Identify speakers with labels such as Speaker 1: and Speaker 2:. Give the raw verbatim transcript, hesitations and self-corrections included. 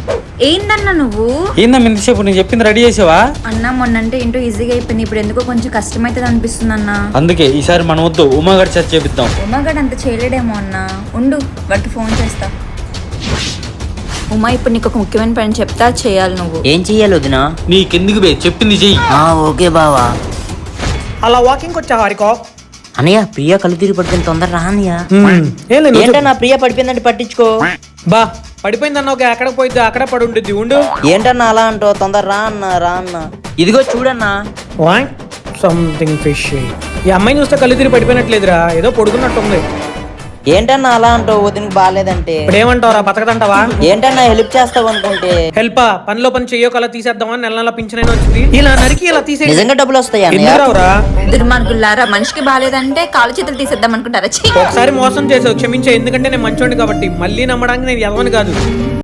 Speaker 1: ఏందన్నా నువ్వు?
Speaker 2: ఏందమ్మా ఇంతసేపు నేను చెప్పింది రెడీ చేసావా?
Speaker 1: అన్నా మొన్నంటే ఏంటో ఈజీగా అయిపోయింది, ఇప్పుడు ఎందుకో కొంచెం కష్టమైతుంది అనిపిస్తుంది అన్న.
Speaker 2: అందుకే ఈసారి మనం వద్దు ఉమాగడ్ చర్చ చేపిద్దాం.
Speaker 1: ఉమాగడ్ అంత చేయలేడేమో అన్న. ఉండు వాడికి ఫోన్ చేస్తా. ఉమా ఇప్పుడు నీకు ఒక ముఖ్యమైన పని చెప్తా, చేయాలి నువ్వు.
Speaker 3: ఏం చెయ్యాలి వదినా?
Speaker 2: నీకెందుకు బే చెప్పింది చెయ్యి.
Speaker 3: ఓకే బావా.
Speaker 4: అలా వాకింగ్ వచ్చా హారికో?
Speaker 3: అనయ్య ప్రియ కళ్ళు తిరిగి పడిపోయింది, తొందర రా అన్నయ్య.
Speaker 4: ఏంటో
Speaker 3: ఏంటన్నా ప్రియ పడిపోయిందంటే పట్టించుకో.
Speaker 4: బా పడిపోయిందన్న ఒక ఎక్కడ పోయిద్ది అక్కడ పడి ఉంటుంది ఉండు.
Speaker 3: ఏంటన్నా అలా అంటావు? తొందర రా అన్న రా అన్న. ఇదిగో చూడన్నా.
Speaker 4: Something fish. ఈ అమ్మాయిని చూస్తే కళ్ళు తిరిగి పడిపోయినట్లేదురా, ఏదో పొడుకున్నట్టుంది.
Speaker 3: ఏంటన్నా అలా అంటావు? వదినకి బాగాలేదంటే
Speaker 4: ఇప్పుడు ఏమంటావురా, బతకదంటావా?
Speaker 3: ఏంటన్నా హెల్ప్ చేస్తావు అనుకుంటే.
Speaker 4: హెల్ప్ పనిలో పని చెయ్యో అలా తీసేద్దామని నెల నెల పింఛనైనా వచ్చింది, ఇలా నరికి ఇలా తీసే
Speaker 3: నిజంగా డబ్బులు వస్తాయి అన్నయ్య?
Speaker 4: ఎందుకురావురా?
Speaker 1: దుర్మార్గులారా, మనిషికి బాగాలేదంటే కాలు చేతులు తీసేద్దాం అనుకుంటారా? ఛీ!
Speaker 4: ఒకసారి మోసం చేసావు, క్షమించే. ఎందుకంటే నేను మంచోండి కాబట్టి. మళ్ళీ నమ్మడానికి నేను ఎదవని కాదు.